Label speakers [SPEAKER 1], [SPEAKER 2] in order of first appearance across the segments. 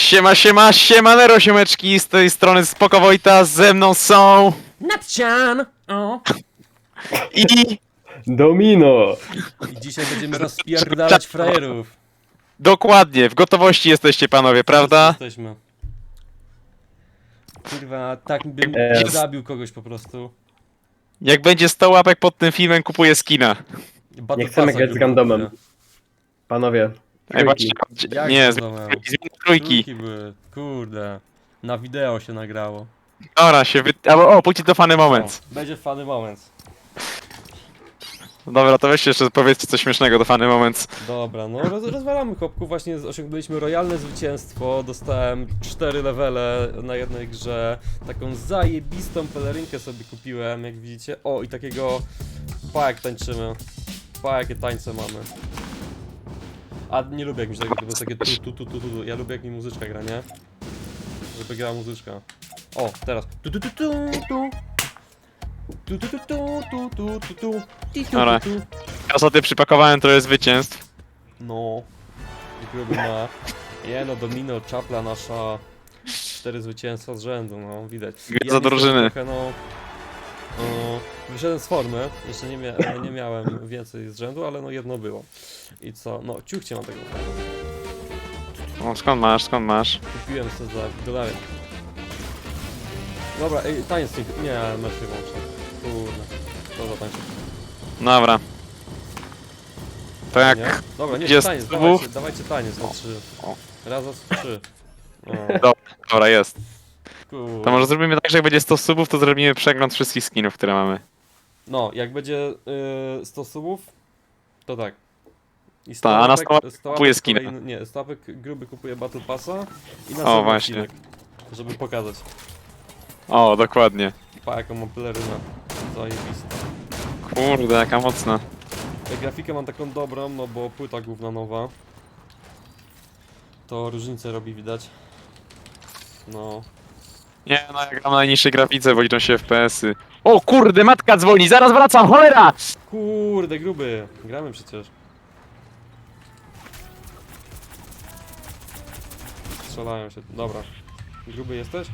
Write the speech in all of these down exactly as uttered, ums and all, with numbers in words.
[SPEAKER 1] Siema, siema, siemanero, siemeczki, z tej strony Spoko Wojta, ze mną są...
[SPEAKER 2] Natcian! O!
[SPEAKER 1] I...
[SPEAKER 3] Domino!
[SPEAKER 2] I dzisiaj będziemy rozpierdalać frajerów.
[SPEAKER 1] Dokładnie, w gotowości jesteście panowie, prawda?
[SPEAKER 2] Jesteśmy. Kurwa, tak bym
[SPEAKER 3] Eee.
[SPEAKER 2] zabił kogoś po prostu.
[SPEAKER 1] Jak będzie sto łapek pod tym filmem, kupuję skina.
[SPEAKER 2] Battle
[SPEAKER 3] Nie chcemy
[SPEAKER 2] Passa
[SPEAKER 3] grać z
[SPEAKER 2] grubo
[SPEAKER 3] randomem.
[SPEAKER 2] kupuję.
[SPEAKER 3] Panowie.
[SPEAKER 1] Ej,
[SPEAKER 3] Trójki.
[SPEAKER 1] patrzcie,
[SPEAKER 2] Jak
[SPEAKER 1] nie,
[SPEAKER 2] zbudowałem?
[SPEAKER 1] zmień trójki.
[SPEAKER 2] były, kurde. Na wideo się nagrało.
[SPEAKER 1] Dobra, się wy... Albo, o, pójdźcie do fany moment.
[SPEAKER 2] O, będzie fany moment.
[SPEAKER 1] Dobra, to weźcie jeszcze powiedzcie coś śmiesznego do fany moment.
[SPEAKER 2] Dobra, no roz, rozwalamy chłopku, właśnie osiągnęliśmy royalne zwycięstwo, dostałem cztery levele na jednej grze, taką zajebistą pelerynkę sobie kupiłem, jak widzicie, o i takiego, pa jak tańczymy, pa jakie tańce mamy. A nie lubię jak mi się takie, to jest takie tu, tu, tu, tu, tu, tu, ja lubię jak mi muzyczka gra, nie? Żeby grała muzyczka. O, teraz. Tu, tu, tu, tu, tu. Tu, tu, tu, tu, tu, tu, tu, tu. Ti, tu,
[SPEAKER 1] Dobra.
[SPEAKER 2] tu, tu.
[SPEAKER 1] Ja sobie przypakowałem trochę zwycięstw.
[SPEAKER 2] No, gruby ma. Nie no, Domino, czapla nasza. Cztery zwycięstwa z rzędu, no widać.
[SPEAKER 1] Gwiazda
[SPEAKER 2] niestety
[SPEAKER 1] drużyny.
[SPEAKER 2] Trochę, no, no, wyszedłem z formy, jeszcze nie, mia nie miałem więcej z rzędu, ale no jedno było. I co? No, ciuchcie mam tego.
[SPEAKER 1] O, skąd masz, skąd masz?
[SPEAKER 2] Kupiłem sobie za dolary. Dobra, ej, taniec tych... Nie, mecz wyłączę. Kurde, to za tańczyć.
[SPEAKER 1] Dobra. To jak...
[SPEAKER 2] Nie? Dobra, nie,
[SPEAKER 1] jest
[SPEAKER 2] taniec,
[SPEAKER 1] subów?
[SPEAKER 2] dawajcie, dawajcie taniec na trzy.
[SPEAKER 1] o.
[SPEAKER 2] Raz, za trzy. O,
[SPEAKER 1] Dobra, dobra, jest.
[SPEAKER 2] kurde.
[SPEAKER 1] To może zrobimy tak, że jak będzie sto subów, to zrobimy przegląd wszystkich skinów, które mamy.
[SPEAKER 2] No, jak będzie y, sto subów, to tak. I
[SPEAKER 1] Ta, a na
[SPEAKER 2] łapek-
[SPEAKER 1] sto łapek
[SPEAKER 2] sto
[SPEAKER 1] kupuje
[SPEAKER 2] łapek
[SPEAKER 1] skina.
[SPEAKER 2] kolejny- Nie, sto łapek gruby kupuje Battle Passa i na
[SPEAKER 1] O,
[SPEAKER 2] sam
[SPEAKER 1] właśnie.
[SPEAKER 2] odcinek, żeby pokazać.
[SPEAKER 1] O, dokładnie.
[SPEAKER 2] Pa, jaką mam pelerynę. Zajebista.
[SPEAKER 1] Kurde, jaka mocna.
[SPEAKER 2] Ja grafikę mam taką dobrą, no bo płyta główna nowa. To różnicę robi, widać. No.
[SPEAKER 1] Nie, no ja gram na najniższej grafice, bo liczą się F P S-y. O kurde, matka dzwoni, zaraz wracam, cholera!
[SPEAKER 2] Kurde, gruby. Gramy przecież. Strzelają się. Dobra. Gruby jesteś?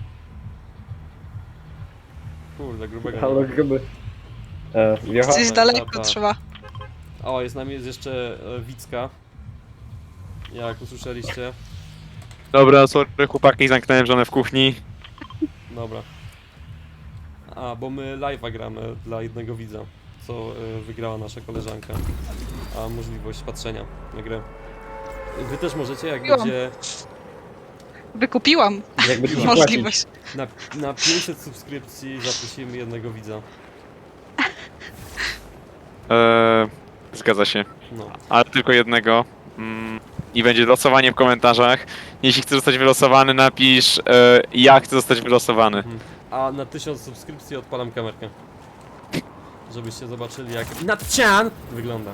[SPEAKER 2] Kurde, grubego. nie
[SPEAKER 3] Halo,
[SPEAKER 2] ma.
[SPEAKER 3] gruby. E, wiocha?
[SPEAKER 4] Gdzieś
[SPEAKER 2] ta,
[SPEAKER 4] daleko
[SPEAKER 2] ta.
[SPEAKER 4] trzeba.
[SPEAKER 2] O, jest z nami jest jeszcze e, Wicka. Jak usłyszeliście.
[SPEAKER 1] Dobra, sorry chłopaki, zamknąłem żonę w kuchni.
[SPEAKER 2] Dobra. A, bo my live'a gramy dla jednego widza, co e, wygrała nasza koleżanka. A możliwość patrzenia na grę. Wy też możecie, jak
[SPEAKER 4] Kupiłam.
[SPEAKER 2] będzie
[SPEAKER 4] Wykupiłam
[SPEAKER 3] Jakby ci płacić.
[SPEAKER 4] możliwość.
[SPEAKER 2] na, na pięćset subskrypcji zaprosimy jednego widza.
[SPEAKER 1] Eee, zgadza się,
[SPEAKER 2] No.
[SPEAKER 1] ale tylko jednego. Mm, I będzie losowanie w komentarzach. Jeśli chcesz zostać wylosowany, napisz e, ja chcę zostać wylosowany.
[SPEAKER 2] Mhm. A na tysiąc subskrypcji odpalam kamerkę. Żebyście zobaczyli, jak Natcian wygląda.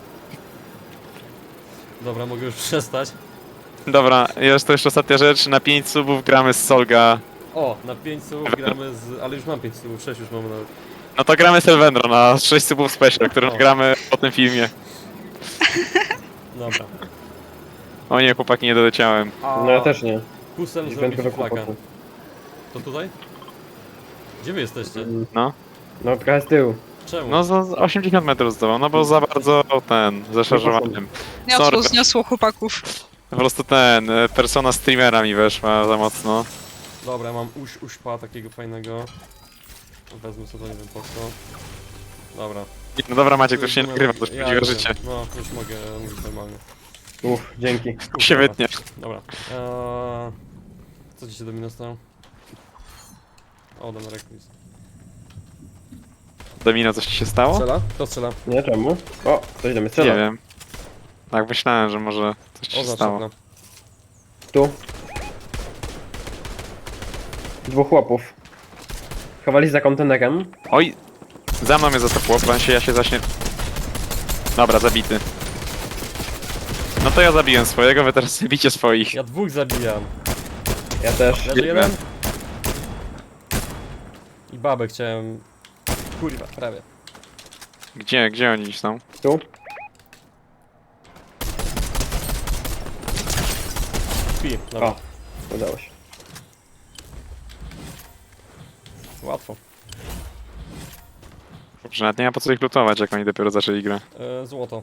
[SPEAKER 2] Dobra, mogę już przestać.
[SPEAKER 1] Dobra, jest to jeszcze ostatnia rzecz. Na pięć subów gramy z Solga.
[SPEAKER 2] O, na pięć subów gramy z... ale już mam pięć subów, sześć już mamy nawet.
[SPEAKER 1] No to gramy z Elvendro na sześć subów special, którym
[SPEAKER 2] O.
[SPEAKER 1] gramy po tym filmie.
[SPEAKER 2] Dobra.
[SPEAKER 1] O nie, chłopaki, nie doleciałem.
[SPEAKER 2] A
[SPEAKER 3] No ja też nie.
[SPEAKER 2] Kusem
[SPEAKER 3] Już
[SPEAKER 2] zrobi
[SPEAKER 3] będę
[SPEAKER 2] flaka.
[SPEAKER 3] kłopotu.
[SPEAKER 2] To tutaj? Gdzie wy jesteście?
[SPEAKER 1] No.
[SPEAKER 3] No trochę z tyłu.
[SPEAKER 2] Czemu?
[SPEAKER 1] No za osiemdziesiąt metrów zdołał, no bo za bardzo ten, zaszarżowanym.
[SPEAKER 4] Zniosło,
[SPEAKER 1] Sorry.
[SPEAKER 4] zniosło chłopaków.
[SPEAKER 1] Po prostu ten, e, persona streamera mi weszła za mocno.
[SPEAKER 2] Dobra, mam uś, uśpa takiego fajnego. Wezmę sobie, nie wiem po co. Dobra.
[SPEAKER 1] No dobra Maciek, to już się
[SPEAKER 2] Rozumiem.
[SPEAKER 1] nagrywa, to już
[SPEAKER 2] Ja
[SPEAKER 1] prawdziwe
[SPEAKER 2] wiem.
[SPEAKER 1] życie.
[SPEAKER 2] No, już mogę mówić normalnie.
[SPEAKER 3] Uff, dzięki.
[SPEAKER 1] Się
[SPEAKER 2] Dobra.
[SPEAKER 1] wytnie.
[SPEAKER 2] Dobra. Eee, co ci się do mnie stało? O, dam rekwiz.
[SPEAKER 1] Domino, coś ci się stało?
[SPEAKER 2] Strzela? Kto strzela?
[SPEAKER 3] Nie, czemu? O, coś do mnie
[SPEAKER 1] Nie
[SPEAKER 3] strzela.
[SPEAKER 1] wiem. Tak myślałem, że może coś ci się
[SPEAKER 2] Oznacz
[SPEAKER 1] stało.
[SPEAKER 2] okno.
[SPEAKER 3] Tu. Dwóch chłopów. Chowali się za kontenerem.
[SPEAKER 1] Oj! Za mną mnie zatopło, plan się, ja się zaśnie... Dobra, zabity. No to ja zabiłem swojego, wy teraz zabicie swoich.
[SPEAKER 2] Ja dwóch zabijam.
[SPEAKER 3] Ja też.
[SPEAKER 2] Leży
[SPEAKER 1] Biegnę.
[SPEAKER 2] jeden. I babę chciałem... Kurwa, prawie.
[SPEAKER 1] Gdzie, gdzie oni są?
[SPEAKER 3] Tu.
[SPEAKER 2] Pi, dobra.
[SPEAKER 3] O. Udało się.
[SPEAKER 2] Łatwo.
[SPEAKER 1] Dobrze, nawet nie ma po co ich lutować, jak oni dopiero zaczęli grę.
[SPEAKER 2] E, złoto.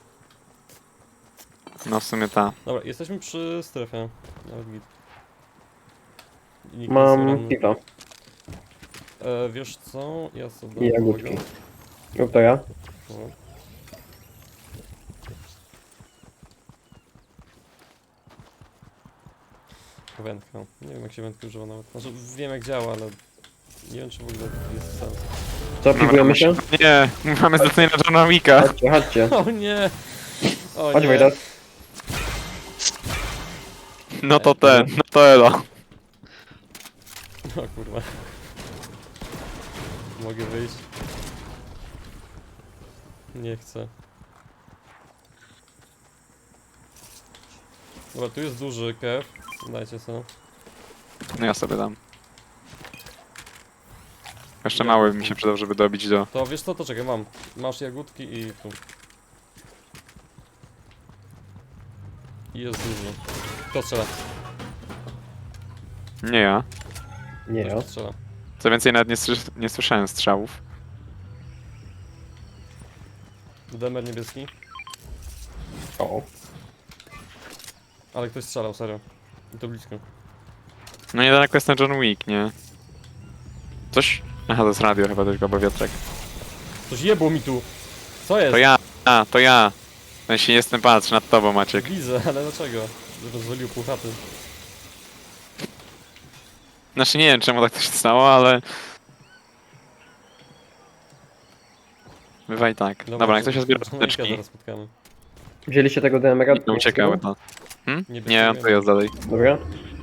[SPEAKER 1] No w sumie ta.
[SPEAKER 2] Dobra, jesteśmy przy strefie. Nawet git. I nikt nie jest
[SPEAKER 3] Mam
[SPEAKER 2] ranny.
[SPEAKER 3] piwa
[SPEAKER 2] E, wiesz co? Ja sobie dam
[SPEAKER 3] i jagódki.
[SPEAKER 2] małego.
[SPEAKER 3] Rób to ja.
[SPEAKER 2] O. Wędka. Nie wiem jak się wędki używa nawet. Znaczy wiem jak działa, ale nie wiem czy w ogóle jest sens.
[SPEAKER 3] Co, piwujemy się?
[SPEAKER 1] Nie, mamy zlecenie na Johna Wicka.
[SPEAKER 3] Chodźcie, chodźcie.
[SPEAKER 2] O nie! O
[SPEAKER 3] Chodź
[SPEAKER 2] nie!
[SPEAKER 3] Wojtas.
[SPEAKER 1] No to ten, no to elo.
[SPEAKER 2] O kurwa. Mogę wyjść? Nie chcę. Dobra, tu jest duży kew. Dajcie sobie.
[SPEAKER 1] No ja sobie dam. Jeszcze mały mi się przydał, żeby dobić do...
[SPEAKER 2] To wiesz co, to czekaj, mam. Masz jagódki i tu. I jest duży. Kto strzela?
[SPEAKER 1] Nie ja.
[SPEAKER 3] Nie ja.
[SPEAKER 2] Kto strzela?
[SPEAKER 1] Co więcej, nawet nie, słys- nie słyszałem strzałów.
[SPEAKER 2] Demer niebieski.
[SPEAKER 3] O.
[SPEAKER 2] Ale ktoś strzelał, serio. I to blisko.
[SPEAKER 1] No niedaleko jest ten John Wick, nie? Coś? Aha, to jest radio chyba tylko, bo wiatrek.
[SPEAKER 2] Coś jebło mi tu! Co jest?
[SPEAKER 1] To ja, a, to ja. Ja się jestem, patrz, nad tobą, Maciek.
[SPEAKER 2] Widzę, ale dlaczego? Rozwalił pół chaty.
[SPEAKER 1] Znaczy nie wiem, czemu tak to się stało, ale... Bywa i tak. Dobra, jak to się zbiera
[SPEAKER 2] Johna Wicka
[SPEAKER 1] apteczki,
[SPEAKER 2] zaraz spotkamy.
[SPEAKER 3] Wzięliście tego D M R-a?
[SPEAKER 1] to uciekały to. Hmm?
[SPEAKER 2] Nie
[SPEAKER 1] Nie, on to jest dalej.
[SPEAKER 3] Dobra.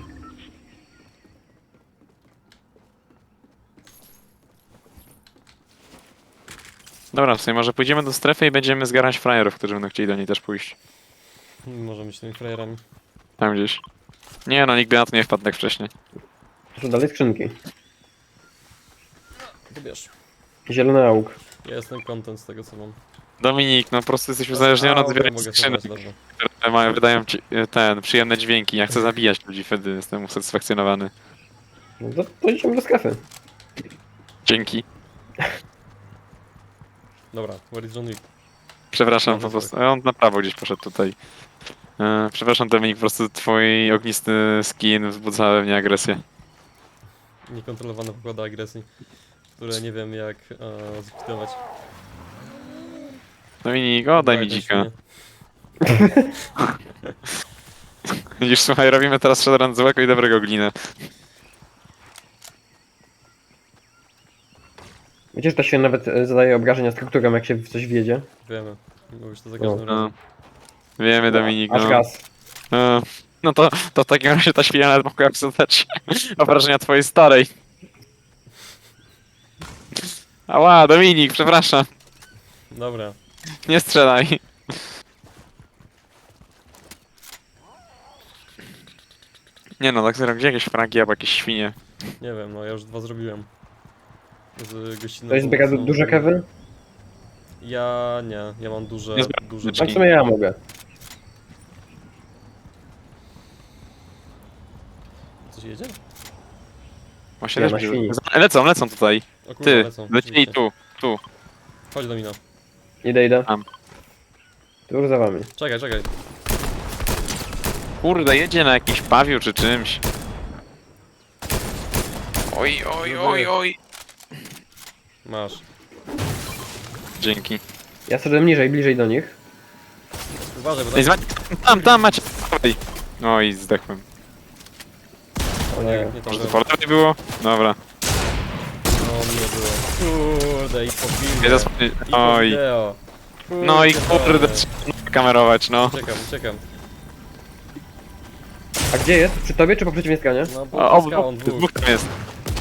[SPEAKER 1] Dobra, w sumie może pójdziemy do strefy i będziemy zgarać frajerów, którzy będą chcieli do niej też pójść.
[SPEAKER 2] Możemy być tymi frajerami.
[SPEAKER 1] Tam gdzieś. Nie no, nikt by na to nie wpadł tak wcześniej.
[SPEAKER 3] To są dalej skrzynki.
[SPEAKER 2] To wiesz.
[SPEAKER 3] Zielony auk.
[SPEAKER 2] Ja jestem content z tego co mam.
[SPEAKER 1] Dominik, no po prostu jesteś uzależniony
[SPEAKER 2] A,
[SPEAKER 1] od
[SPEAKER 2] dobra,
[SPEAKER 1] zbierania
[SPEAKER 2] mogę
[SPEAKER 1] skrzynek,
[SPEAKER 2] schować, dobra.
[SPEAKER 1] które mają, wydają ci e, ten, przyjemne dźwięki. Ja chcę zabijać ludzi, wtedy jestem usatysfakcjonowany.
[SPEAKER 3] No to, to idziemy do sklepy.
[SPEAKER 1] Dzięki.
[SPEAKER 2] Dobra, where is John Wick?
[SPEAKER 1] Przepraszam
[SPEAKER 2] Dobra,
[SPEAKER 1] po prostu. On na prawo gdzieś poszedł tutaj. E, przepraszam Dominik, po prostu twój ognisty skin wzbudza we mnie agresję.
[SPEAKER 2] Niekontrolowane pokłady agresji, które nie wiem jak e, zlikwidować.
[SPEAKER 1] Dominik, oddaj mi
[SPEAKER 2] ten
[SPEAKER 1] dzika.
[SPEAKER 2] świnie.
[SPEAKER 1] Widzisz, słuchaj, robimy teraz shadowrun złego i dobrego glinę.
[SPEAKER 3] Wiecie, że to się nawet e, zadaje obrażenia strukturom, jak się w coś wjedzie?
[SPEAKER 2] Wiemy. Mówisz to za każdym
[SPEAKER 1] No.
[SPEAKER 2] razem.
[SPEAKER 1] Wiemy, Dominik,
[SPEAKER 3] Aż
[SPEAKER 1] no.
[SPEAKER 3] gaz.
[SPEAKER 1] E, No to, to w takim razie ta świnia nawet mogła zadać obrażenia twojej starej. Ała, Dominik, przepraszam.
[SPEAKER 2] Dobra.
[SPEAKER 1] Nie strzelaj. Nie no, tak serio, gdzie jakieś fragi albo jakieś świnie?
[SPEAKER 2] Nie wiem, no ja już dwa zrobiłem. Z gościnną
[SPEAKER 3] To jest zbiera
[SPEAKER 2] pomocą.
[SPEAKER 3] duże kewy?
[SPEAKER 2] Ja nie, ja mam duże,
[SPEAKER 1] Nie zbieram
[SPEAKER 2] duże
[SPEAKER 3] A w sumie ja mogę.
[SPEAKER 2] Coś jedzie?
[SPEAKER 1] Właśnie
[SPEAKER 3] Nie,
[SPEAKER 1] też
[SPEAKER 3] na
[SPEAKER 1] mi-
[SPEAKER 3] świni.
[SPEAKER 1] Lecą, lecą tutaj.
[SPEAKER 2] O kurwa,
[SPEAKER 1] Ty,
[SPEAKER 2] lecą.
[SPEAKER 1] lecieli
[SPEAKER 2] rzeczywiście.
[SPEAKER 1] tu, tu.
[SPEAKER 2] Chodź do mina.
[SPEAKER 3] Idę, idę.
[SPEAKER 1] Tam.
[SPEAKER 3] Tuż za wami.
[SPEAKER 2] Czekaj, czekaj.
[SPEAKER 1] Kurde, jedzie na jakiś pawiu czy czymś. Oj, oj, oj, oj.
[SPEAKER 2] Masz.
[SPEAKER 1] Dzięki.
[SPEAKER 3] Ja szedłem niżej, bliżej do nich.
[SPEAKER 2] Uważaj, bo
[SPEAKER 1] Ej,
[SPEAKER 2] tam...
[SPEAKER 1] zwa- Tam, tam macie. Oj. Oj, zdechłem.
[SPEAKER 3] O
[SPEAKER 2] Nie,
[SPEAKER 3] nie.
[SPEAKER 2] nie to
[SPEAKER 1] Może to
[SPEAKER 2] było.
[SPEAKER 1] po lewej było? Dobra.
[SPEAKER 2] No, nie było. Kurde, i po filmie.
[SPEAKER 1] Nie zasłonię.
[SPEAKER 2] I po
[SPEAKER 1] Oj.
[SPEAKER 2] wideo.
[SPEAKER 1] No i kurde,
[SPEAKER 2] dobra.
[SPEAKER 1] trzeba kamerować, no.
[SPEAKER 2] Uciekam, uciekam.
[SPEAKER 3] A gdzie jest? Przy tobie czy po przeciwnej stronie?
[SPEAKER 2] No,
[SPEAKER 1] O,
[SPEAKER 2] bo
[SPEAKER 1] o,
[SPEAKER 2] skałą
[SPEAKER 1] dwóch,
[SPEAKER 2] dwóch.
[SPEAKER 1] dwóch tam jest.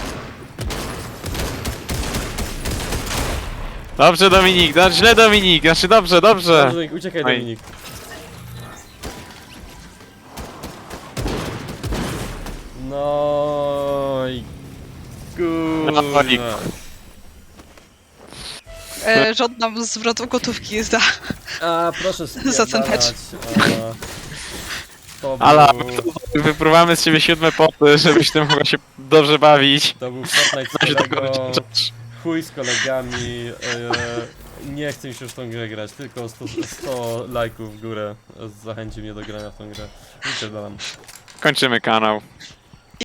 [SPEAKER 1] Dobrze, Dominik, no, źle, Dominik, znaczy dobrze, dobrze.
[SPEAKER 2] Dominik, uciekaj,
[SPEAKER 1] Oj.
[SPEAKER 2] Dominik. No i...
[SPEAKER 1] No i-
[SPEAKER 2] Kurwa.
[SPEAKER 4] E, żądam zwrotu gotówki za...
[SPEAKER 2] A, proszę
[SPEAKER 4] Za ceneczkę.
[SPEAKER 2] spierdalać. a, To był,
[SPEAKER 1] Ala, wypruwamy z ciebie siódme poty, żebyś ty mogła się dobrze bawić.
[SPEAKER 2] to był Fortnite z
[SPEAKER 1] Co się tego
[SPEAKER 2] kolego,
[SPEAKER 1] wyczeczasz?
[SPEAKER 2] chuj z kolegami, e, nie chcę mi się już w tą grę grać, tylko sto, sto lajków w górę zachęci mnie do grania w tą grę. I tyle.
[SPEAKER 1] Kończymy kanał.